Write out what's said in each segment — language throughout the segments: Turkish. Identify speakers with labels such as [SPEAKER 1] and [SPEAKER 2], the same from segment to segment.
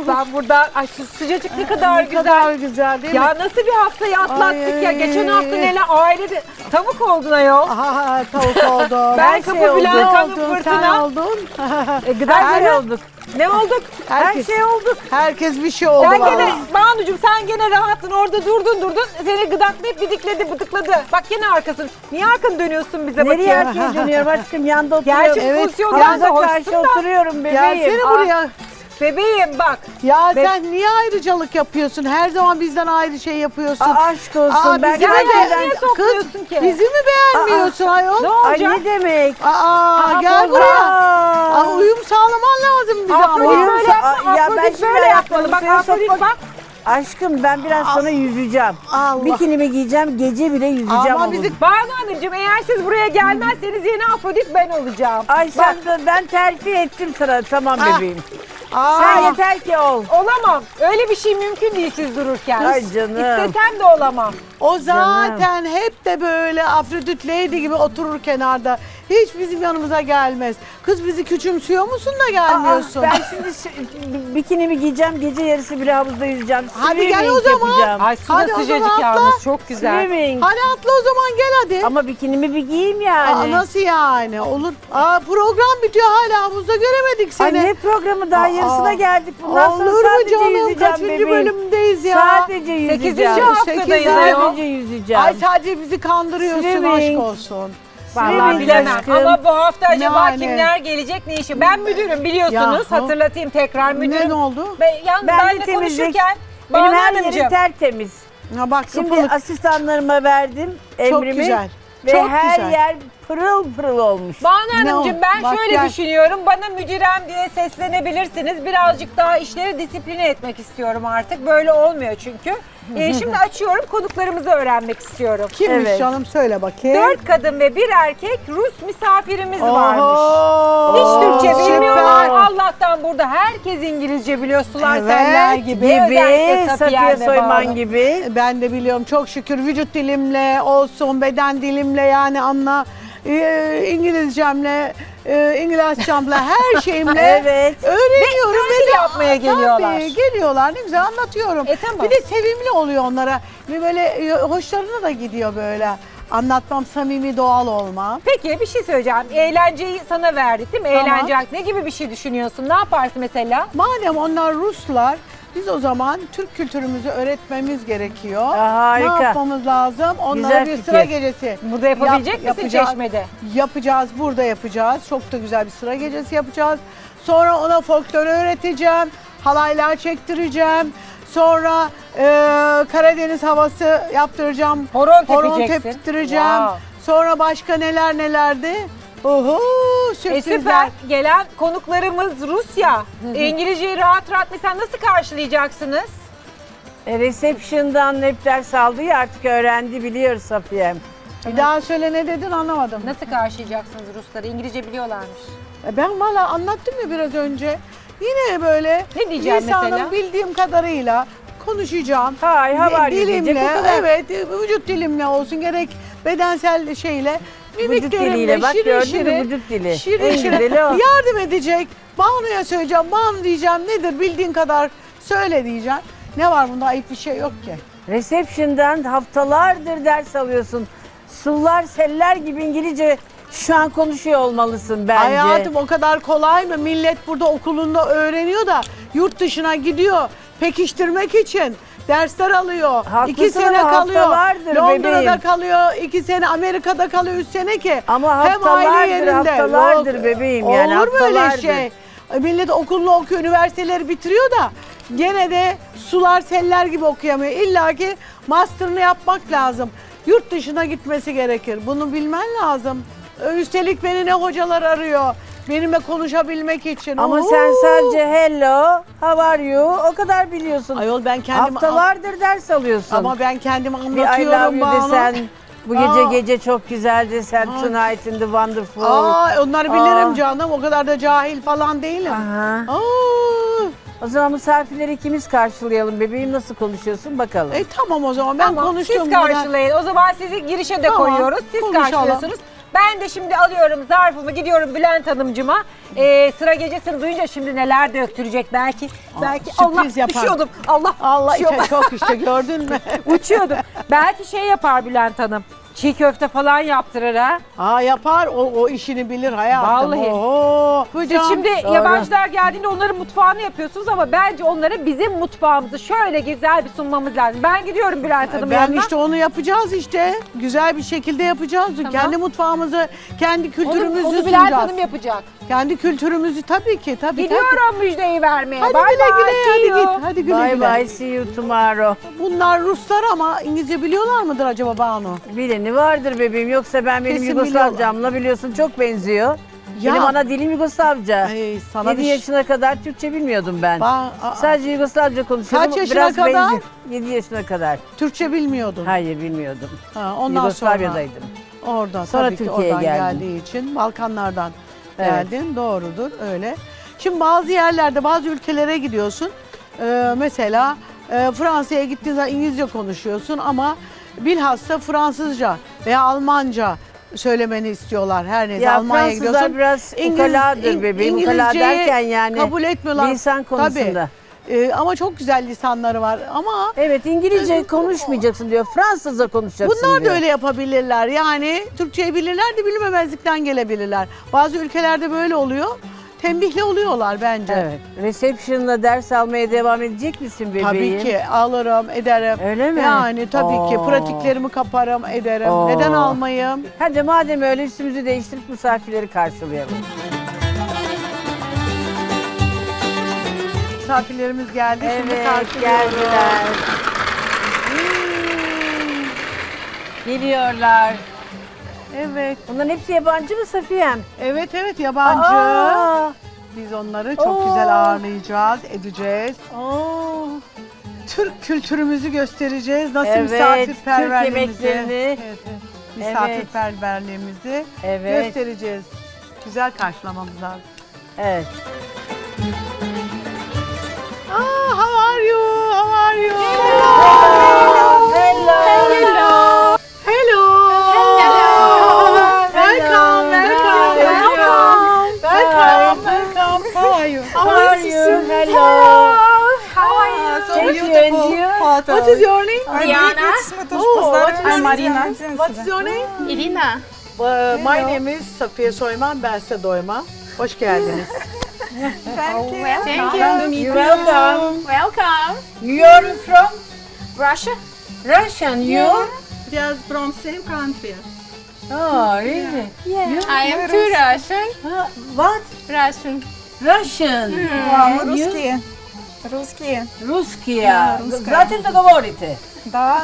[SPEAKER 1] Ben burada ay şu sıcacık ne kadar
[SPEAKER 2] Ne
[SPEAKER 1] güzel.
[SPEAKER 2] kadar güzel değil mi?
[SPEAKER 1] Ya nasıl bir haftayı atlattık ya.
[SPEAKER 2] Ay.
[SPEAKER 1] Geçen hafta neler ailede tavuk oldun ayol.
[SPEAKER 2] Aha, tavuk oldu.
[SPEAKER 1] Ben kapı Bülent Hanım
[SPEAKER 2] Sen
[SPEAKER 1] fırtına.
[SPEAKER 2] oldun.
[SPEAKER 1] Gıda olduk. Ne olduk?
[SPEAKER 2] Herkes,
[SPEAKER 1] Her şey olduk.
[SPEAKER 2] Herkes bir şey oldu.
[SPEAKER 1] Sen
[SPEAKER 2] vallahi.
[SPEAKER 1] gene Banucuğum sen gene rahattın orada durdun. Seni gıdaklayıp bıdıkladı. Bak gene arkasın. Niye arkanı dönüyorsun bize
[SPEAKER 3] Nereye
[SPEAKER 1] bakayım?
[SPEAKER 3] arkaya dönüyorum aşkım? Yanda oturuyorum.
[SPEAKER 1] Gerçi
[SPEAKER 2] Evet,
[SPEAKER 1] pozisyondan da
[SPEAKER 3] Yanınıza
[SPEAKER 1] hoşsun
[SPEAKER 3] karşı
[SPEAKER 1] da.
[SPEAKER 3] oturuyorum bebeğim.
[SPEAKER 2] Gelsene buraya.
[SPEAKER 1] Bebeğim bak.
[SPEAKER 2] Ya sen niye ayrıcalık yapıyorsun? Her zaman bizden ayrı şey yapıyorsun.
[SPEAKER 3] Aşk olsun. Ben
[SPEAKER 2] bizi mi
[SPEAKER 3] gerçekten...
[SPEAKER 1] niye sokmuyorsun ki?
[SPEAKER 2] Bizi mi beğenmiyorsun ayol?
[SPEAKER 1] Ne
[SPEAKER 3] Ay
[SPEAKER 1] olacak?
[SPEAKER 3] ne demek?
[SPEAKER 2] Gel buraya. Uyum sağlaman lazım bize ama.
[SPEAKER 1] Afrodit
[SPEAKER 3] Uyum
[SPEAKER 1] böyle yapma.
[SPEAKER 3] ya ben
[SPEAKER 1] Afrodit
[SPEAKER 3] şimdi
[SPEAKER 1] böyle yapmalı. Bak
[SPEAKER 3] suya
[SPEAKER 1] Afrodit
[SPEAKER 3] sokmak-
[SPEAKER 1] bak.
[SPEAKER 3] Aşkım ben biraz sonra yüzeceğim.
[SPEAKER 2] Allah.
[SPEAKER 3] Bikinimi giyeceğim, gece bile yüzeceğim.
[SPEAKER 2] Ama
[SPEAKER 3] onun.
[SPEAKER 2] bizi
[SPEAKER 1] Banu Hanımcığım eğer siz buraya gelmezseniz yeni Afrodit ben olacağım.
[SPEAKER 3] Ay sen ben terfi ettim sana. Tamam
[SPEAKER 2] Ah.
[SPEAKER 3] bebeğim. Sen yeter ki ol.
[SPEAKER 1] Olamam. Öyle bir şey mümkün değil siz dururken.
[SPEAKER 3] Ay canım.
[SPEAKER 1] İstesem de olamam.
[SPEAKER 2] o zaten hep de böyle Afrodit Lady gibi oturur kenarda. Hiç bizim yanımıza gelmez. Kız bizi küçümsüyor musun da gelmiyorsun?
[SPEAKER 3] Ben şimdi bikinimi giyeceğim, gece yarısı bile havuzda yüzeceğim.
[SPEAKER 2] Hadi gel
[SPEAKER 3] Swimming
[SPEAKER 2] o zaman.
[SPEAKER 3] yapacağım.
[SPEAKER 1] Ay su da
[SPEAKER 2] Hadi o
[SPEAKER 1] sıcacık
[SPEAKER 2] zaman atla.
[SPEAKER 1] yalnız çok güzel.
[SPEAKER 3] Swimming.
[SPEAKER 2] Hadi atla o zaman gel hadi.
[SPEAKER 3] Ama bikinimi bir giyeyim yani.
[SPEAKER 2] Nasıl yani? Olur. Program bitiyor hala havuzda göremedik
[SPEAKER 3] Ay
[SPEAKER 2] seni.
[SPEAKER 3] ne programı daha yarısına geldik. Bundan sonra
[SPEAKER 2] Olur mu
[SPEAKER 3] sadece
[SPEAKER 2] canım?
[SPEAKER 3] yüzeceğim
[SPEAKER 2] Kaçıncı
[SPEAKER 3] bebeğim.
[SPEAKER 2] bölümdeyiz ya?
[SPEAKER 3] Sadece yüzeceğim.
[SPEAKER 1] 8. haftadayız ayol.
[SPEAKER 3] Sadece yüzeceğim.
[SPEAKER 2] Ay sadece bizi kandırıyorsun,
[SPEAKER 3] Swimming.
[SPEAKER 2] aşk olsun.
[SPEAKER 1] Vallahi
[SPEAKER 3] Swimming
[SPEAKER 1] bilemem
[SPEAKER 3] aşkım.
[SPEAKER 1] ama bu hafta acaba
[SPEAKER 2] Yani.
[SPEAKER 1] kimler gelecek ne işi? Ben müdürüm biliyorsunuz.
[SPEAKER 2] Yahu.
[SPEAKER 1] Hatırlatayım tekrar müdürüm.
[SPEAKER 2] Ne oldu?
[SPEAKER 1] Yalnız
[SPEAKER 3] Ben
[SPEAKER 1] ben
[SPEAKER 3] de
[SPEAKER 1] de
[SPEAKER 3] temizlik.
[SPEAKER 1] konuşurken
[SPEAKER 3] Benim
[SPEAKER 1] Banu
[SPEAKER 3] her yerim
[SPEAKER 1] Hanımcığım.
[SPEAKER 3] tertemiz.
[SPEAKER 2] Ha bak
[SPEAKER 3] Şimdi
[SPEAKER 2] kıpılık.
[SPEAKER 3] asistanlarıma verdim emrimi.
[SPEAKER 2] güzel.
[SPEAKER 3] Ve
[SPEAKER 2] Çok
[SPEAKER 3] her
[SPEAKER 2] güzel.
[SPEAKER 3] yer pırıl pırıl olmuş.
[SPEAKER 1] Banu
[SPEAKER 2] Ne
[SPEAKER 1] Hanımcığım
[SPEAKER 2] o?
[SPEAKER 1] ben
[SPEAKER 2] Bak
[SPEAKER 1] şöyle
[SPEAKER 2] gel.
[SPEAKER 1] düşünüyorum. Bana müdürem diye seslenebilirsiniz. Birazcık daha işleri disipline etmek istiyorum artık. Böyle olmuyor çünkü. Şimdi açıyorum konuklarımızı öğrenmek istiyorum.
[SPEAKER 2] Kimmiş
[SPEAKER 3] Evet.
[SPEAKER 2] canım söyle bakayım.
[SPEAKER 1] 4 kadın ve 1 erkek Rus misafirimiz varmış.
[SPEAKER 2] Oho,
[SPEAKER 1] Hiç Türkçe
[SPEAKER 2] süper.
[SPEAKER 1] bilmiyorlar. Allah'tan burada herkes İngilizce biliyor. Sular
[SPEAKER 2] Evet,
[SPEAKER 1] seller gibi. Özellikle
[SPEAKER 3] Safiye
[SPEAKER 1] ve
[SPEAKER 3] Soyman
[SPEAKER 1] Banu.
[SPEAKER 3] gibi.
[SPEAKER 2] Ben de biliyorum çok şükür vücut dilimle olsun, beden dilimle yani anla İngilizcemle, İngilizcemle her şeyimle
[SPEAKER 3] Evet.
[SPEAKER 2] öğreniyorum.
[SPEAKER 1] Ve tatil yapmaya geliyorlar.
[SPEAKER 2] Tabii geliyorlar ne güzel anlatıyorum.
[SPEAKER 1] Tamam.
[SPEAKER 2] Bir de sevimli oluyor onlara. Bir böyle hoşlarına da gidiyor böyle. Anlatmam samimi doğal olma.
[SPEAKER 1] Peki bir şey söyleyeceğim. Eğlenceyi sana verdik değil mi?
[SPEAKER 2] Tamam.
[SPEAKER 1] Eğlence ne gibi bir şey düşünüyorsun? Ne yaparsın mesela?
[SPEAKER 2] Madem onlar Ruslar, biz o zaman Türk kültürümüzü öğretmemiz gerekiyor.
[SPEAKER 3] Harika.
[SPEAKER 2] Ne yapmamız lazım? Onlara
[SPEAKER 3] Güzel
[SPEAKER 2] bir
[SPEAKER 3] fikir.
[SPEAKER 2] sıra gecesi.
[SPEAKER 1] Burada yapabilecek misin
[SPEAKER 2] yapacağız.
[SPEAKER 1] Çeşme'de?
[SPEAKER 2] Yapacağız, burada yapacağız. Çok da güzel bir sıra gecesi yapacağız. Sonra ona folklor öğreteceğim, halaylar çektireceğim. Sonra Karadeniz havası yaptıracağım.
[SPEAKER 1] Horon
[SPEAKER 2] Horon
[SPEAKER 1] tepeceksin.
[SPEAKER 2] teptireceğim.
[SPEAKER 1] Wow.
[SPEAKER 2] Sonra başka neler nelerdi? Oho, sürprizler.
[SPEAKER 1] Süper. Gelen konuklarımız Rusya. İngilizceyi rahat rahat mesela nasıl karşılayacaksınız?
[SPEAKER 3] Reception'dan hep ders aldı ya artık öğrendi biliyor Safiye'm.
[SPEAKER 2] Bir daha söyle ne dedin anlamadım.
[SPEAKER 1] Nasıl karşılayacaksınız Rusları? İngilizce biliyorlarmış.
[SPEAKER 2] Ben valla anlattım ya biraz önce. Yine böyle
[SPEAKER 1] Ne diyeceğim
[SPEAKER 2] lisanım
[SPEAKER 1] mesela?
[SPEAKER 2] bildiğim kadarıyla konuşacağım.
[SPEAKER 3] Hay, how are you diyecek,
[SPEAKER 2] Dilimle,
[SPEAKER 3] o kadar.
[SPEAKER 2] evet vücut dilimle olsun gerek bedensel şeyle.
[SPEAKER 3] Vücut
[SPEAKER 2] Mimiklerimle
[SPEAKER 3] diliyle bak
[SPEAKER 2] şirin
[SPEAKER 3] gördün mü
[SPEAKER 2] şirin,
[SPEAKER 3] vücut dili.
[SPEAKER 2] şirin
[SPEAKER 3] En
[SPEAKER 2] şirin
[SPEAKER 3] güzeli o.
[SPEAKER 2] yardım edecek. Banu'ya söyleyeceğim, Banu diyeceğim nedir bildiğin kadar söyle diyeceğim. Ne var bunda ayıp bir şey yok ki.
[SPEAKER 3] Reception'dan haftalardır ders alıyorsun. Sular seller gibi İngilizce şu an konuşuyor olmalısın bence.
[SPEAKER 2] Hayatım o kadar kolay mı? Millet burada okulunda öğreniyor da yurt dışına gidiyor pekiştirmek için. Dersler alıyor.
[SPEAKER 3] Haklısın
[SPEAKER 2] 2 sene
[SPEAKER 3] ama
[SPEAKER 2] kalıyor.
[SPEAKER 3] haftalardır
[SPEAKER 2] Londra'da
[SPEAKER 3] bebeğim.
[SPEAKER 2] kalıyor. 2 sene Amerika'da kalıyor 3 sene ki.
[SPEAKER 3] Ama
[SPEAKER 2] Hem aile
[SPEAKER 3] haftalardır,
[SPEAKER 2] yerinde.
[SPEAKER 3] haftalardır bebeğim yani,
[SPEAKER 2] Olur mu öyle
[SPEAKER 3] haftalardır.
[SPEAKER 2] şey? Millet okulunu okuyor, üniversiteleri bitiriyor da gene de sular seller gibi okuyamıyor. İlla ki master'ını yapmak lazım. Yurt dışına gitmesi gerekir. Bunu bilmen lazım. Üstelik beni ne hocalar arıyor. Benimle konuşabilmek için.
[SPEAKER 3] Ama
[SPEAKER 2] Oo!
[SPEAKER 3] sen sadece hello, how are you o kadar biliyorsun.
[SPEAKER 2] Ayol ben kendim
[SPEAKER 3] Haftalardır ders alıyorsun.
[SPEAKER 2] ama ben kendim
[SPEAKER 3] bir I
[SPEAKER 2] anlatıyorum
[SPEAKER 3] love you
[SPEAKER 2] Banu.
[SPEAKER 3] desen, bu
[SPEAKER 2] Aa.
[SPEAKER 3] gece çok güzel desen, tonight in the wonderful.
[SPEAKER 2] Onları bilirim
[SPEAKER 3] Aa.
[SPEAKER 2] canım. O kadar da cahil falan değilim.
[SPEAKER 3] Aha.
[SPEAKER 2] Aa.
[SPEAKER 3] O zaman misafirleri ikimiz karşılayalım bebeğim, nasıl konuşuyorsun bakalım.
[SPEAKER 2] Tamam o zaman ben
[SPEAKER 1] Tamam,
[SPEAKER 2] konuştum.
[SPEAKER 1] siz karşılayın. O zaman sizi girişe de
[SPEAKER 2] Tamam,
[SPEAKER 1] koyuyoruz. Siz
[SPEAKER 2] konuşalım.
[SPEAKER 1] karşılıyorsunuz. Ben de şimdi alıyorum zarfımı, gidiyorum Bülent Hanımcığıma. Sıra gecesini duyunca şimdi neler döktürecek belki. Belki Allah
[SPEAKER 2] sürpriz yapar.
[SPEAKER 1] düşüyordum. Allah
[SPEAKER 2] işte çok işte gördün mü?
[SPEAKER 1] uçuyordum. Belki şey yapar Bülent Hanım. Çiğ köfte falan yaptırır ha.
[SPEAKER 2] Aa yapar o işini bilir hayatım.
[SPEAKER 1] Vallahi.
[SPEAKER 2] Oho.
[SPEAKER 1] Siz şimdi yabancılar geldiğinde onların mutfağını yapıyorsunuz ama bence onlara bizim mutfağımızı şöyle güzel bir sunmamız lazım. Ben gidiyorum Bülent Hanım'ın
[SPEAKER 2] Ben
[SPEAKER 1] yanına.
[SPEAKER 2] işte onu yapacağız işte. Güzel bir şekilde yapacağız. Kendi mutfağımızı, kendi kültürümüzü
[SPEAKER 1] onu Bülent
[SPEAKER 2] sunacağız.
[SPEAKER 1] Hanım yapacak.
[SPEAKER 2] Kendi kültürümüzü tabii ki. Tabii.
[SPEAKER 1] Gidiyorum müjdeyi vermeye.
[SPEAKER 2] Hadi
[SPEAKER 1] Bye
[SPEAKER 2] güle
[SPEAKER 1] bye,
[SPEAKER 2] güle
[SPEAKER 1] see you.
[SPEAKER 2] hadi güle
[SPEAKER 3] Bye
[SPEAKER 2] güle.
[SPEAKER 3] bye, see you tomorrow.
[SPEAKER 2] Bunlar Ruslar ama İngilizce biliyorlar mıdır acaba Banu?
[SPEAKER 3] Bileni vardır bebeğim. Yoksa ben benim
[SPEAKER 2] Kesin
[SPEAKER 3] Yugoslavcamla biliyorsun çok benziyor.
[SPEAKER 2] Ya.
[SPEAKER 3] Benim ana dilim Yugoslavca.
[SPEAKER 2] Ay, sana
[SPEAKER 3] 7
[SPEAKER 2] bir
[SPEAKER 3] yaşına kadar Türkçe bilmiyordum ben. Sadece Yugoslavca konuşuyordum.
[SPEAKER 2] Kaç yaşına
[SPEAKER 3] Biraz
[SPEAKER 2] kadar?
[SPEAKER 3] benziyor. 7 yaşına kadar.
[SPEAKER 2] Türkçe bilmiyordun.
[SPEAKER 3] Hayır bilmiyordum.
[SPEAKER 2] Ha, ondan
[SPEAKER 3] Yugoslavya'daydım.
[SPEAKER 2] sonra oradan
[SPEAKER 3] Sonra
[SPEAKER 2] tabii ki
[SPEAKER 3] Türkiye'ye
[SPEAKER 2] oradan
[SPEAKER 3] geldim.
[SPEAKER 2] geldiği için Balkanlardan
[SPEAKER 3] Evet.
[SPEAKER 2] geldin. Doğrudur öyle. Şimdi bazı yerlerde bazı ülkelere gidiyorsun. Mesela Fransa'ya gittiğin zaman İngilizce konuşuyorsun ama bilhassa Fransızca veya Almanca söylemeni istiyorlar her neyse.
[SPEAKER 3] Ya
[SPEAKER 2] Almanya'ya
[SPEAKER 3] Fransızlar
[SPEAKER 2] gidiyorsun.
[SPEAKER 3] biraz ukaladır bebeğim. Ukala
[SPEAKER 2] İngilizceyi
[SPEAKER 3] derken yani
[SPEAKER 2] kabul etmiyorlar.
[SPEAKER 3] lisan konusunda.
[SPEAKER 2] Tabii. Ama çok güzel lisanları var ama
[SPEAKER 3] Evet İngilizce konuşmayacaksın diyor. Fransızca konuşacaksın
[SPEAKER 2] bunlar
[SPEAKER 3] diyor.
[SPEAKER 2] da öyle yapabilirler. Yani Türkçeyi bilirler de bilmemezlikten gelebilirler. Bazı ülkelerde böyle oluyor. Tembihli oluyorlar bence.
[SPEAKER 3] Evet. Reception'la ders almaya devam edecek misin bebeğim?
[SPEAKER 2] Tabii ki alırım, ederim.
[SPEAKER 3] Öyle mi?
[SPEAKER 2] Yani tabii ki
[SPEAKER 3] Oo.
[SPEAKER 2] pratiklerimi kaparım, ederim.
[SPEAKER 3] Oo.
[SPEAKER 2] Neden almayayım?
[SPEAKER 3] Hadi madem öyle üstümüzü değiştirip misafirleri karşılayalım.
[SPEAKER 2] Misafirlerimiz geldi. Şimdi
[SPEAKER 3] Evet
[SPEAKER 2] karşılıyoruz.
[SPEAKER 3] geldiler. Geliyorlar.
[SPEAKER 2] Evet.
[SPEAKER 3] Bunların hepsi yabancı mı Safiyem?
[SPEAKER 2] Evet yabancı.
[SPEAKER 3] Aa,
[SPEAKER 2] Biz onları çok
[SPEAKER 3] Oo.
[SPEAKER 2] güzel ağırlayacağız, edeceğiz.
[SPEAKER 3] aa.
[SPEAKER 2] Türk kültürümüzü göstereceğiz. Nasıl
[SPEAKER 3] Evet,
[SPEAKER 2] misafirperverliğimizi.
[SPEAKER 3] Türk yemeklerini.
[SPEAKER 2] Evet. Misafirperverliğimizi
[SPEAKER 3] Evet.
[SPEAKER 2] göstereceğiz. Güzel karşılamamız lazım.
[SPEAKER 3] Evet.
[SPEAKER 2] How are you? How are you?
[SPEAKER 3] Hello.
[SPEAKER 2] Hello. Welcome. How are you?
[SPEAKER 3] How are you? Hello.
[SPEAKER 1] How are you?
[SPEAKER 3] Thank you and you?
[SPEAKER 2] What is your name?
[SPEAKER 4] Diana.
[SPEAKER 2] Oh, what is
[SPEAKER 4] I'm Marina.
[SPEAKER 2] What is your name?
[SPEAKER 4] Irina.
[SPEAKER 2] My name is Safiye Soyman, bense Doyma. Hoş geldiniz.
[SPEAKER 4] Thank you.
[SPEAKER 3] You're welcome.
[SPEAKER 4] Welcome.
[SPEAKER 3] You're from
[SPEAKER 4] Russia?
[SPEAKER 3] Russian, you?
[SPEAKER 5] They from same country.
[SPEAKER 3] Oh, really?
[SPEAKER 4] I am too Russian.
[SPEAKER 3] What?
[SPEAKER 4] Russian.
[SPEAKER 3] Russian.
[SPEAKER 5] Русские. Русские.
[SPEAKER 3] Русские. Зачем ты говорите?
[SPEAKER 5] Да,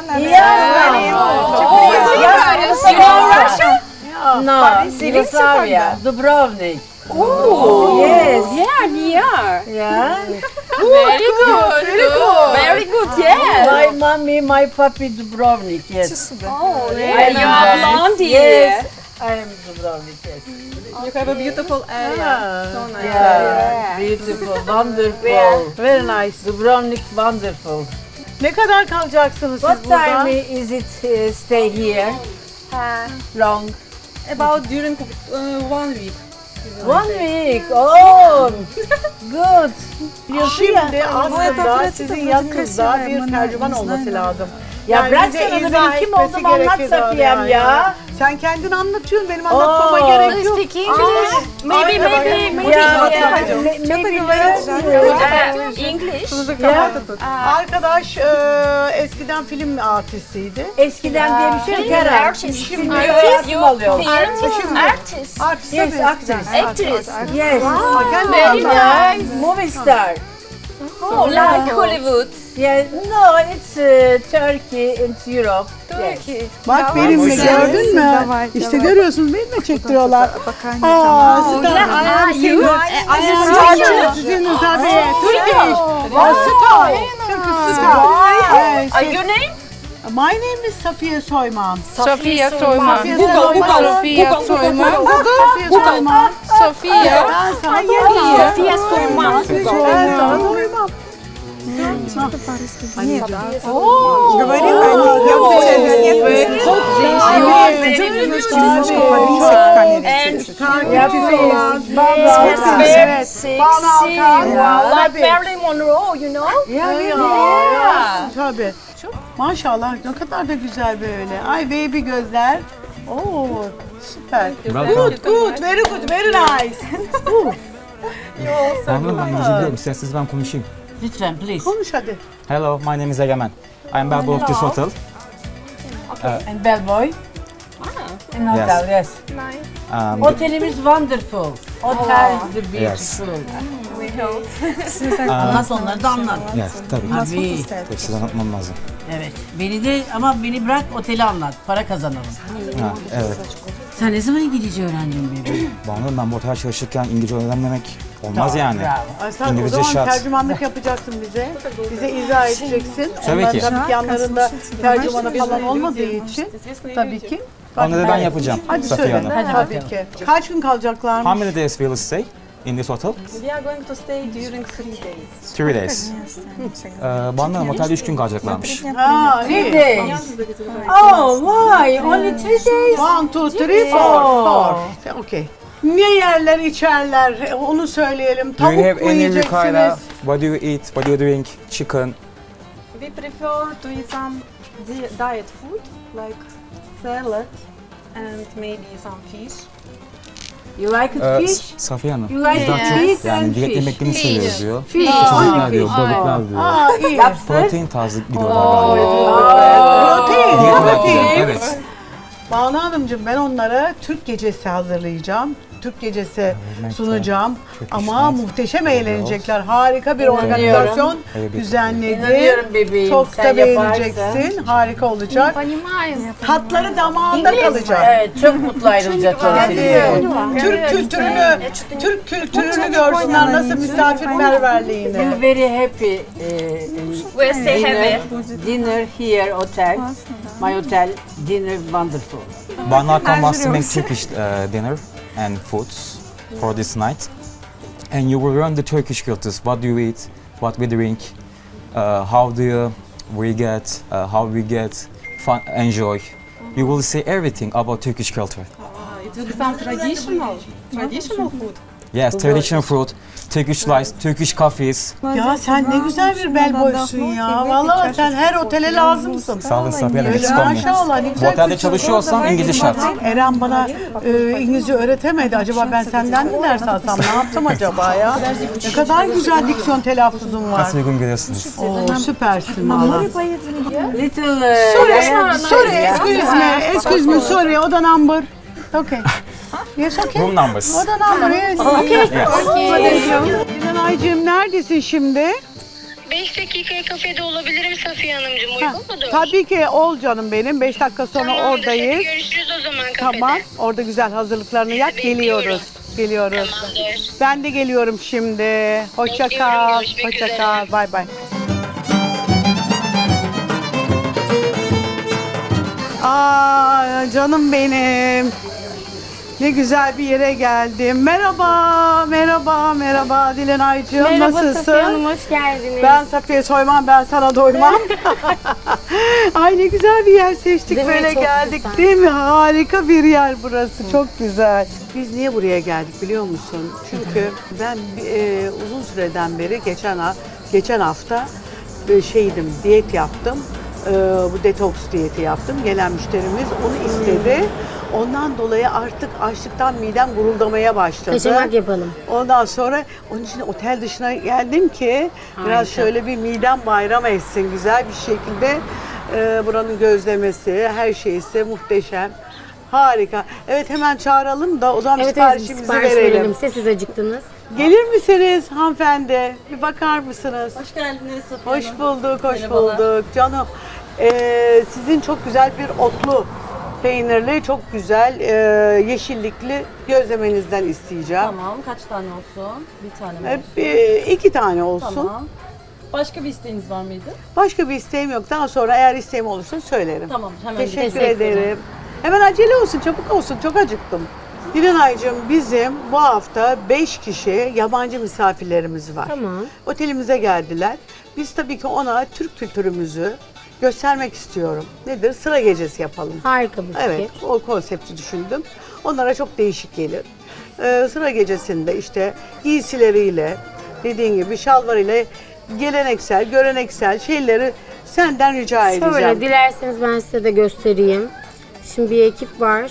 [SPEAKER 4] You know Russian?
[SPEAKER 3] No, Yugoslavia, Dubrovnik. Oh, yes.
[SPEAKER 4] Yeah.
[SPEAKER 3] Yeah.
[SPEAKER 4] Very good. Very good. Yes.
[SPEAKER 3] My mommy, my papi Dubrovnik, yes.
[SPEAKER 4] Oh,
[SPEAKER 3] I
[SPEAKER 4] you
[SPEAKER 3] am
[SPEAKER 4] are blondie.
[SPEAKER 3] Yes, I am Dubrovnik, yes.
[SPEAKER 5] You have a beautiful area. So nice.
[SPEAKER 3] Yeah, beautiful, wonderful.
[SPEAKER 2] Very nice.
[SPEAKER 3] Dubrovnik, wonderful.
[SPEAKER 2] Ne kadar kalacaksınız
[SPEAKER 3] What
[SPEAKER 2] siz burada?
[SPEAKER 3] time is it stay here? Long.
[SPEAKER 5] About during 1 week.
[SPEAKER 3] 1 week. Oh, good.
[SPEAKER 2] Şimdi aslında sizin yanınızda bir tercüman olması lazım.
[SPEAKER 3] Ya bırak
[SPEAKER 2] bize
[SPEAKER 3] sen onu,
[SPEAKER 2] izah
[SPEAKER 3] benim kim
[SPEAKER 2] etmesi
[SPEAKER 3] olduğumu anlat
[SPEAKER 2] gerekir
[SPEAKER 3] Safiyem
[SPEAKER 2] oraya
[SPEAKER 3] ya.
[SPEAKER 2] Sen kendin anlatıyorsun, benim anlatmama
[SPEAKER 3] Oo.
[SPEAKER 2] gerek yok.
[SPEAKER 4] Speak English? Maybe English.
[SPEAKER 2] Arkadaş eskiden film artistiydi.
[SPEAKER 3] Eskiden diye bir şey yok herhalde.
[SPEAKER 4] Artist.
[SPEAKER 3] Şimdi
[SPEAKER 4] Artist.
[SPEAKER 3] yardım alıyorlar.
[SPEAKER 4] Artist.
[SPEAKER 2] Artist
[SPEAKER 3] Yes,
[SPEAKER 2] tabii,
[SPEAKER 3] actress.
[SPEAKER 2] eskiden.
[SPEAKER 4] Actress.
[SPEAKER 3] Yes.
[SPEAKER 2] Kendin
[SPEAKER 4] Very
[SPEAKER 2] anlat.
[SPEAKER 4] nice.
[SPEAKER 3] Movie star.
[SPEAKER 4] Oh, like Hollywood.
[SPEAKER 3] Yeah, no, it's Turkey, it's Europe. Turkey.
[SPEAKER 2] Bak benimle gördün mü? İşte görüyorsunuz, benimle çektiriyorlar.
[SPEAKER 4] You?
[SPEAKER 2] Sizin tabii. Turkish. Star. Turkish star.
[SPEAKER 4] Your name?
[SPEAKER 2] My name is Safiye Soyman.
[SPEAKER 6] Sofia Soyman.
[SPEAKER 2] Safiye
[SPEAKER 6] Google,
[SPEAKER 2] Soyman.
[SPEAKER 6] Sofia Soyman.
[SPEAKER 2] Safiye Soyman.
[SPEAKER 6] Sofia.
[SPEAKER 2] Ben sana doymam.
[SPEAKER 4] Sofia Soyman.
[SPEAKER 2] Ben sana doymam.
[SPEAKER 4] Very sexy. Wow, like Marilyn Monroe, you know?
[SPEAKER 2] Tabii. Maşallah ne kadar da güzel böyle. Ay baby gözler. Oo süper. Good, very good, very nice.
[SPEAKER 7] Anladım, ben İngilizce biliyorum. İsterseniz ben konuşayım.
[SPEAKER 3] Lütfen please.
[SPEAKER 2] Konuş hadi.
[SPEAKER 7] Hello, my name is Egemen. I am bellboy of this hotel.
[SPEAKER 3] And bellboy. In hotel, yes. Otelimiz wonderful. Hotel the beautiful. Anlat onları da anlat.
[SPEAKER 7] Yes, tabii.
[SPEAKER 3] Tabii.
[SPEAKER 7] Tabii size anlatmam lazım.
[SPEAKER 3] Evet. Beni de ama beni bırak oteli anlat. Para kazanalım.
[SPEAKER 7] Ha, evet.
[SPEAKER 3] Sen ne zaman İngilizce öğrendin bebeğim?
[SPEAKER 7] Bana ben bu otel çalışırken İngilizce öğrenmemek olmaz yani.
[SPEAKER 3] Bravo.
[SPEAKER 2] Ay sen o
[SPEAKER 7] İngilizce
[SPEAKER 2] zaman
[SPEAKER 7] şart.
[SPEAKER 2] tercümanlık yapacaksın bize. Bize izah edeceksin.
[SPEAKER 7] Tabii ki.
[SPEAKER 2] Tabii ki yanlarında tercümanı falan olmadığı için. Tabii ki.
[SPEAKER 7] Onları ben yapacağım
[SPEAKER 2] Hadi
[SPEAKER 7] Safiye
[SPEAKER 2] söyle.
[SPEAKER 7] Hanım.
[SPEAKER 2] Tabii ki. Kaç gün kalacaklarmış?
[SPEAKER 7] How many days will you stay in this hotel?
[SPEAKER 5] We are going to stay during 3 days.
[SPEAKER 7] 3 days. Bana otelde 3 gün kalacaklarmış.
[SPEAKER 2] Ha, iyi.
[SPEAKER 3] 3 days. Oh, why? Only 3 days?
[SPEAKER 2] 1, 2, 3, 4. Okay. Ne yerler içerler onu söyleyelim.
[SPEAKER 7] Do
[SPEAKER 2] Tavuk
[SPEAKER 7] you have
[SPEAKER 2] mu
[SPEAKER 7] any
[SPEAKER 2] yiyeceksiniz?
[SPEAKER 7] requirement? What do you eat? What do you drink? Chicken?
[SPEAKER 5] We prefer to eat some diet food like salad and maybe some fish.
[SPEAKER 3] You like it fish?
[SPEAKER 7] Safiye Hanım.
[SPEAKER 3] You like
[SPEAKER 7] Biz daha
[SPEAKER 3] it
[SPEAKER 7] çok
[SPEAKER 3] fish
[SPEAKER 7] yani
[SPEAKER 3] and
[SPEAKER 7] diyet
[SPEAKER 3] fish.
[SPEAKER 7] yemeklerini seviyoruz diyor.
[SPEAKER 3] Fish.
[SPEAKER 7] İçecekler diyor, balıklar diyor.
[SPEAKER 2] Aa iyi.
[SPEAKER 3] Lobster?
[SPEAKER 7] Protein tarzı gidiyorlar galiba.
[SPEAKER 2] Protein.
[SPEAKER 7] Diyet olarak
[SPEAKER 2] Protein.
[SPEAKER 7] yiyor, evet.
[SPEAKER 2] Banu Hanımcığım ben onlara Türk gecesi hazırlayacağım. Türk gecesi sunacağım. Ama muhteşem eğlenecekler. Harika bir organizasyon
[SPEAKER 7] Evet.
[SPEAKER 2] düzenledi.
[SPEAKER 3] İnanıyorum bebeğim.
[SPEAKER 2] Çok
[SPEAKER 3] Sen
[SPEAKER 2] da
[SPEAKER 3] yaparsın.
[SPEAKER 2] beğeneceksin. Harika olacak. Tatları damağında kalacak.
[SPEAKER 3] Evet, çok mutlu ayrılacaklar.
[SPEAKER 2] Hadi. Türk kültürünü görsünler nasıl misafirperverliğini.
[SPEAKER 3] Feel very happy.
[SPEAKER 4] We'll stay happy.
[SPEAKER 3] Dinner here, hotel. My hotel, dinner wonderful.
[SPEAKER 7] Bana come wants to make Turkish dinner and foods for this night. And you will learn the Turkish cultures. What do you eat? What we drink? How do we get? How we get fun? Enjoy. You will see everything about Turkish culture.
[SPEAKER 5] It will be some traditional food.
[SPEAKER 7] Yes, traditional food, Turkish life, Turkish coffees.
[SPEAKER 2] Ya sen ne güzel bir bel boysun ya. Vallahi sen her otele lazımsın.
[SPEAKER 7] Sağ olun Safiye Hanım.
[SPEAKER 2] Öyle
[SPEAKER 7] Eksik olmayın.
[SPEAKER 2] maşallah ne
[SPEAKER 7] Bu
[SPEAKER 2] güzel
[SPEAKER 7] otelde
[SPEAKER 2] kültür.
[SPEAKER 7] çalışıyorsam İngilizce şart.
[SPEAKER 2] Eren bana İngilizce öğretemedi. Acaba ben senden mi ders alsam? Ne yaptım acaba ya? Ne kadar güzel diksiyon telaffuzun var.
[SPEAKER 7] Nasıl uygun görüyorsunuz?
[SPEAKER 2] Oo, süpersin valla.
[SPEAKER 3] Little...
[SPEAKER 2] Excuse me, sorry. O da number. Okay. Yes, okay.
[SPEAKER 7] Room numbers.
[SPEAKER 2] O da number, yes. Aycığım neredesin şimdi?
[SPEAKER 8] 5 dakikaya kafede olabilirim Safiye Hanımcığım. Uygun mudur?
[SPEAKER 2] Tabii ki ol canım benim. 5 dakika sonra
[SPEAKER 8] Tamamdır. Hadi
[SPEAKER 2] oradayız.
[SPEAKER 8] görüşürüz o zaman kafede.
[SPEAKER 2] Tamam. Orada güzel hazırlıklarını yap.
[SPEAKER 8] Bekliyorum.
[SPEAKER 2] Geliyoruz.
[SPEAKER 8] Tamamdır.
[SPEAKER 2] Ben de geliyorum şimdi. Hoşça
[SPEAKER 8] Bekliyorum,
[SPEAKER 2] kal.
[SPEAKER 8] görüşmek
[SPEAKER 2] Hoşça
[SPEAKER 8] üzere.
[SPEAKER 2] kal. Bay bay. Aa canım benim. Ne güzel bir yere geldim. Merhaba Dilenaycığım. Nasılsın?
[SPEAKER 9] Safiye Hanım, hoş geldiniz.
[SPEAKER 2] Ben Safiye Soymam, ben sana doymam. Ay ne güzel bir yer seçtik,
[SPEAKER 9] Değil mi?
[SPEAKER 2] böyle
[SPEAKER 9] Çok
[SPEAKER 2] geldik.
[SPEAKER 9] güzel.
[SPEAKER 2] Değil mi? Harika bir yer burası, çok güzel. Biz niye buraya geldik biliyor musun? Çünkü ben uzun süreden beri geçen hafta diyet yaptım. Bu detoks diyeti yaptım. Gelen müşterimiz onu istedi. Ondan dolayı artık açlıktan midem guruldamaya başladı.
[SPEAKER 9] Kaçamak yapalım.
[SPEAKER 2] Ondan sonra onun için otel dışına geldim ki biraz şöyle bir midem bayram etsin güzel bir şekilde. Buranın gözlemesi, her şeysi muhteşem. Harika. Evet hemen çağıralım da o zaman
[SPEAKER 9] Evet,
[SPEAKER 2] siparişimizi
[SPEAKER 9] sipariş
[SPEAKER 2] verelim.
[SPEAKER 9] Siz acıktınız.
[SPEAKER 2] Gelir misiniz hanımefendi? Bir bakar mısınız?
[SPEAKER 5] Hoş geldiniz Safiye
[SPEAKER 2] Hoş bulduk, hoş bulduk. Canım, sizin çok güzel bir otlu, peynirli, çok güzel yeşillikli gözlemenizden isteyeceğim.
[SPEAKER 5] Tamam, kaç tane olsun? Bir tane mi olsun?
[SPEAKER 2] 2 tane olsun.
[SPEAKER 5] Tamam. Başka bir isteğiniz var mıydı?
[SPEAKER 2] Başka bir isteğim yok. Daha sonra eğer isteğim olursa söylerim.
[SPEAKER 5] Tamam, hemen
[SPEAKER 2] Teşekkür ederim. Hemen acele olsun, çabuk olsun. Çok acıktım. Dilenaycığım bizim bu hafta 5 kişi yabancı misafirlerimiz var.
[SPEAKER 9] Tamam.
[SPEAKER 2] Otelimize geldiler. Biz tabii ki ona Türk kültürümüzü göstermek istiyorum. Nedir? Sıra gecesi yapalım.
[SPEAKER 9] Harika bir fikir.
[SPEAKER 2] Evet, o konsepti düşündüm. Onlara çok değişik gelir. Sıra gecesinde işte giysileriyle, dediğin gibi şalvarıyla geleneksel, göreneksel şeyleri senden rica edeceğim.
[SPEAKER 9] Şöyle dilerseniz ben size de göstereyim. Şimdi bir ekip var.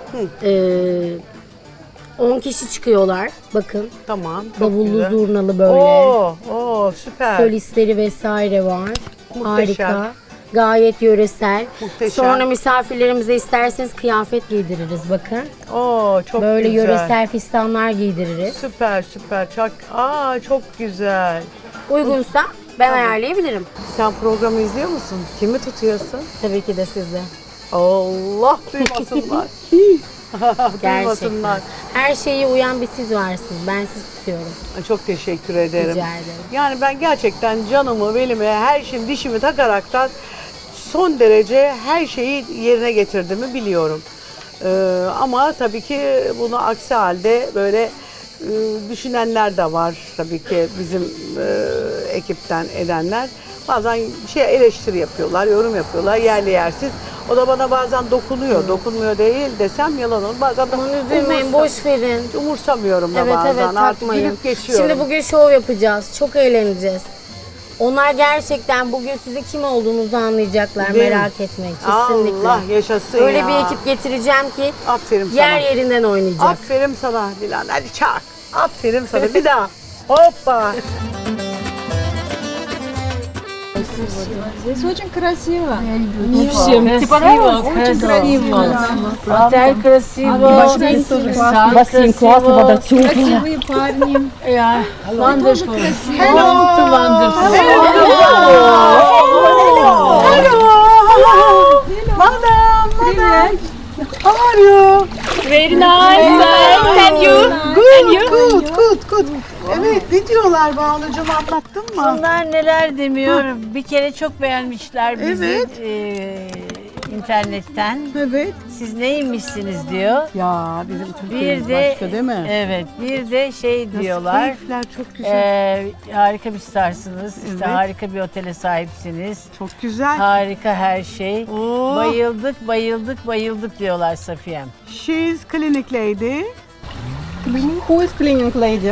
[SPEAKER 9] 10 kişi çıkıyorlar. Bakın.
[SPEAKER 2] Tamam. çok
[SPEAKER 9] Davullu
[SPEAKER 2] güzel.
[SPEAKER 9] zurnalı böyle.
[SPEAKER 2] Oo, süper.
[SPEAKER 9] Solistleri vesaire var.
[SPEAKER 2] Muhteşem.
[SPEAKER 9] Harika. Gayet yöresel.
[SPEAKER 2] Muhteşem.
[SPEAKER 9] Sonra misafirlerimize isterseniz kıyafet giydiririz bakın.
[SPEAKER 2] Oo, çok
[SPEAKER 9] Böyle
[SPEAKER 2] güzel.
[SPEAKER 9] yöresel fistanlar giydiririz.
[SPEAKER 2] Süper. Çok güzel.
[SPEAKER 9] Uygunsa ben ayarlayabilirim.
[SPEAKER 2] Sen programı izliyor musun? Kimi tutuyorsun?
[SPEAKER 9] Tabii ki de sizde.
[SPEAKER 2] Allah duymasınlar. Duymasınlar.
[SPEAKER 9] Her şeye uyan bir siz varsınız. Ben siz tutuyorum.
[SPEAKER 2] Çok teşekkür ederim.
[SPEAKER 9] Rica ederim.
[SPEAKER 2] Yani ben gerçekten canımı, belimi, her şeyimi, dişimi takaraktan son derece her şeyi yerine getirdiğimi biliyorum. Ama tabii ki bunu aksi halde böyle düşünenler de var tabii ki bizim ekipten edenler. Bazen eleştiri yapıyorlar, yorum yapıyorlar yerli yersiz. O da bana bazen dokunuyor. Dokunmuyor değil desem yalan olur. Bazen de
[SPEAKER 9] Aman üzülmeyin, boş verin.
[SPEAKER 2] umursamıyorum da
[SPEAKER 9] Evet
[SPEAKER 2] bazen.
[SPEAKER 9] evet
[SPEAKER 2] Artık
[SPEAKER 9] takmayın.
[SPEAKER 2] gülüp geçiyorum.
[SPEAKER 9] Şimdi bugün şov yapacağız. Çok eğleneceğiz. Onlar gerçekten bugün sizin kim olduğunuzu anlayacaklar.
[SPEAKER 2] Değil mi?
[SPEAKER 9] Merak etmeyin kesinlikle.
[SPEAKER 2] Allah yaşasın
[SPEAKER 9] Öyle
[SPEAKER 2] ya.
[SPEAKER 9] bir ekip getireceğim ki
[SPEAKER 2] Aferin sana.
[SPEAKER 9] yer yerinden oynayacak.
[SPEAKER 2] Aferin sana Dilan. Hadi çak. Aferin sana. Bir daha. Hoppa.
[SPEAKER 6] Здесь очень красиво.
[SPEAKER 3] Отель красиво.
[SPEAKER 6] Бассейн классно, вода теплая. Красивые парни.
[SPEAKER 3] Wonderful.
[SPEAKER 2] Hello. Madam. How are you?
[SPEAKER 4] Very nice. And you?
[SPEAKER 2] Good. Evet, ne diyorlar Banucuğum, anlattın mı?
[SPEAKER 3] Onlar neler demiyor. Bir kere çok beğenmişler bizi
[SPEAKER 2] Evet.
[SPEAKER 3] internetten.
[SPEAKER 2] Evet.
[SPEAKER 3] Siz neymişsiniz diyor.
[SPEAKER 2] Ya bizim Türkiye'miz
[SPEAKER 3] Bir de
[SPEAKER 2] başka değil mi?
[SPEAKER 3] Evet, bir de şey diyorlar.
[SPEAKER 2] Keyifler çok güzel.
[SPEAKER 3] Harika bir starsınız. İşte
[SPEAKER 2] Evet.
[SPEAKER 3] harika bir otele sahipsiniz.
[SPEAKER 2] Çok güzel.
[SPEAKER 3] Harika her şey.
[SPEAKER 2] Oo.
[SPEAKER 3] Bayıldık diyorlar Safiye'm.
[SPEAKER 2] She's clinic lady.
[SPEAKER 6] Who is cleaning lady?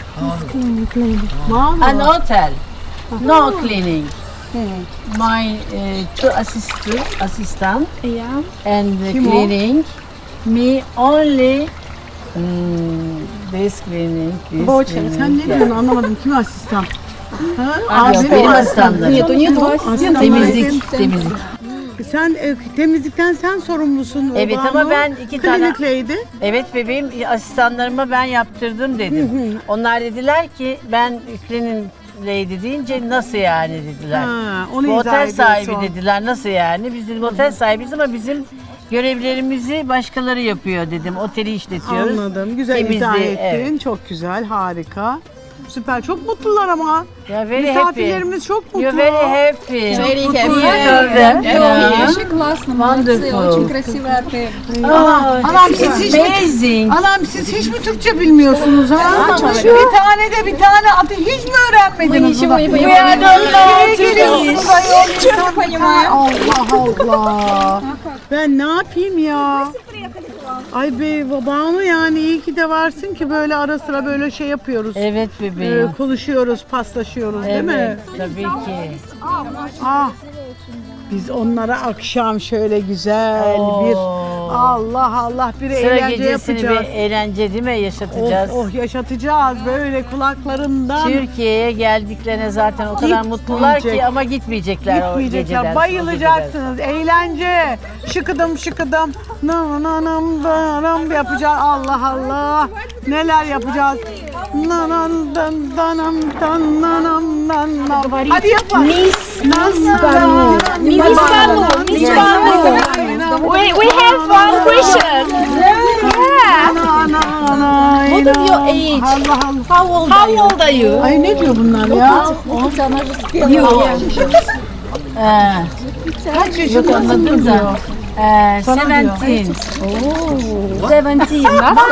[SPEAKER 3] An hotel. No cleaning. My two assistant
[SPEAKER 6] Yeah.
[SPEAKER 3] and
[SPEAKER 2] Kim o?
[SPEAKER 3] cleaning. Me only this cleaning. This
[SPEAKER 2] Boğaçan,
[SPEAKER 3] cleaning.
[SPEAKER 2] sen ne diyorsun anlamadım. Kim asistan?
[SPEAKER 3] Yok, benim asistanlarım.
[SPEAKER 6] Нету ассистента.
[SPEAKER 3] Temizlik.
[SPEAKER 2] Sen temizlikten sen sorumlusun.
[SPEAKER 3] Evet,
[SPEAKER 2] Banu.
[SPEAKER 3] ama ben iki tane-
[SPEAKER 2] Clinic lady.
[SPEAKER 3] Evet bebeğim, asistanlarıma ben yaptırdım dedim. Onlar dediler ki ben cleaning lady deyince nasıl yani dediler.
[SPEAKER 2] Ha, onu
[SPEAKER 3] Bu
[SPEAKER 2] izah
[SPEAKER 3] otel sahibi
[SPEAKER 2] ediyorsun.
[SPEAKER 3] dediler, nasıl yani? Biz dedim otel sahibiyiz ama bizim görevlerimizi başkaları yapıyor dedim. Oteli işletiyoruz.
[SPEAKER 2] Anladım. Güzel
[SPEAKER 3] Temizliği,
[SPEAKER 2] izah ettin.
[SPEAKER 3] evet.
[SPEAKER 2] Çok güzel, harika. Süper. Çok mutlular ama.
[SPEAKER 3] Ya very happy.
[SPEAKER 2] Misafirlerimiz çok mutlu.
[SPEAKER 3] You're very happy.
[SPEAKER 6] Very
[SPEAKER 3] Mutlu
[SPEAKER 6] happy.
[SPEAKER 3] gördüm.
[SPEAKER 6] Вообще классно, молодцы,
[SPEAKER 3] Wonderful.
[SPEAKER 6] очень красивый отель.
[SPEAKER 2] Anam siz hiç mi,
[SPEAKER 3] Amazing.
[SPEAKER 2] anam siz hiç mi Türkçe bilmiyorsunuz ha? Bir tane adı hiç mi öğrenmediniz?
[SPEAKER 6] Ничего не
[SPEAKER 3] We
[SPEAKER 6] понимаю.
[SPEAKER 3] don't know
[SPEAKER 6] Что понимаю?
[SPEAKER 2] Allah Allah. Ben ne yapayım ya? Ay be Banu, yani iyi ki de varsın ki böyle ara sıra böyle şey yapıyoruz.
[SPEAKER 3] Evet bebeğim.
[SPEAKER 2] Konuşuyoruz, paslaşıyoruz değil mi?
[SPEAKER 3] Evet, tabii ki.
[SPEAKER 2] Ah. Biz onlara akşam şöyle güzel bir Allah bir
[SPEAKER 3] Sıra
[SPEAKER 2] eğlence
[SPEAKER 3] gecesini
[SPEAKER 2] yapacağız.
[SPEAKER 3] bir eğlence değil mi yaşatacağız?
[SPEAKER 2] Yaşatacağız böyle kulaklarından.
[SPEAKER 3] Türkiye'ye geldiklerine zaten o kadar mutlular ki
[SPEAKER 2] Gitmeyecek.
[SPEAKER 3] ama gitmeyecekler o geceden.
[SPEAKER 2] Gitmeyecekler. Bayılacaksınız. Eğlence. Şıkıdım nam nam nam yapacağız. Allah. Neler yapacağız? Nanam dan danam dan nanam dan nam. Hadi yapalım.
[SPEAKER 4] Miss Banu. We have one question.
[SPEAKER 2] What is your age?
[SPEAKER 4] How old are you?
[SPEAKER 2] Ay ne diyor bunlar ya?
[SPEAKER 3] Kaç yaşındasın diyor.
[SPEAKER 2] Sana diyor.
[SPEAKER 3] 17.
[SPEAKER 6] 17.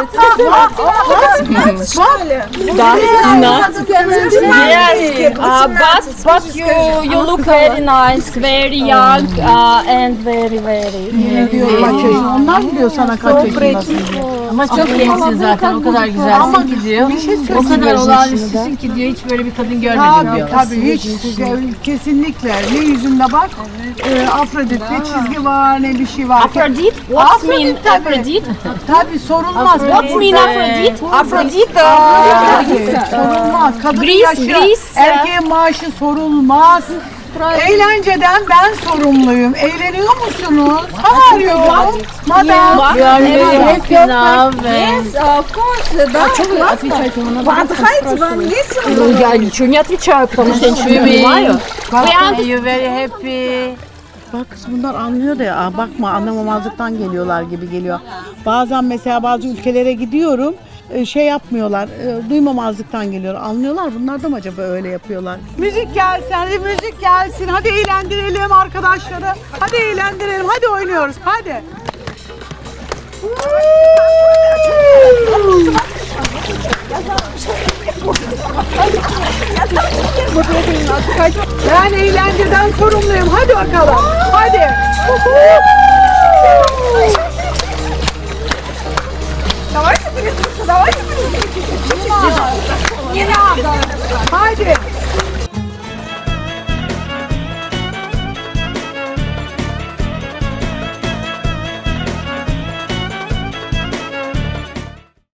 [SPEAKER 3] Yes.
[SPEAKER 6] But you look very nice, very young, and very.
[SPEAKER 2] Diyor kaç yaşında. Onlar mı diyor sana kaç yaşındasın diye.
[SPEAKER 3] Ama çok gençsin zaten. O kadar güzelsin ki diyor.
[SPEAKER 2] Bir şey
[SPEAKER 3] O
[SPEAKER 2] söyleyeyim.
[SPEAKER 3] kadar olağanüstüsün ki diyor. Hiç böyle bir kadın görmedim diyor.
[SPEAKER 2] Tabii hiç kesinlikle ne yüzünde bak Afrodit ne çizgi var ne bir şey var.
[SPEAKER 6] Aphrodite? What's mean
[SPEAKER 2] Afrodit tabii.
[SPEAKER 6] Aphrodite?
[SPEAKER 2] Tabii sorulmaz.
[SPEAKER 6] What's mean Aphrodite? Aphrodite.
[SPEAKER 2] Sorulmaz. Kadının
[SPEAKER 6] Greece,
[SPEAKER 2] yaşı,
[SPEAKER 6] Greece.
[SPEAKER 2] erkeğin maaşı sorulmaz. Eğlenceden ben sorumluyum. Eğleniyor musunuz? How are you? Madam.
[SPEAKER 3] You are very happy now.
[SPEAKER 6] Of course, да. Что вы отвечаете? Отдыхаете, вам весело? Ну, я ничего не отвечаю, потому что я ничего не понимаю.
[SPEAKER 3] You very happy.
[SPEAKER 2] Bak kız bunlar anlıyor da ya bakma anlamamazlıktan geliyorlar gibi geliyor. Bazen mesela bazı ülkelere gidiyorum şey yapmıyorlar duymamazlıktan geliyor. Anlıyorlar bunlar da mı acaba öyle yapıyorlar? Müzik gelsin hadi müzik gelsin hadi eğlendirelim arkadaşları. Hadi eğlendirelim hadi oynuyoruz hadi. Ben eğlenceden sorumluyum. Hadi bakalım. Hadi.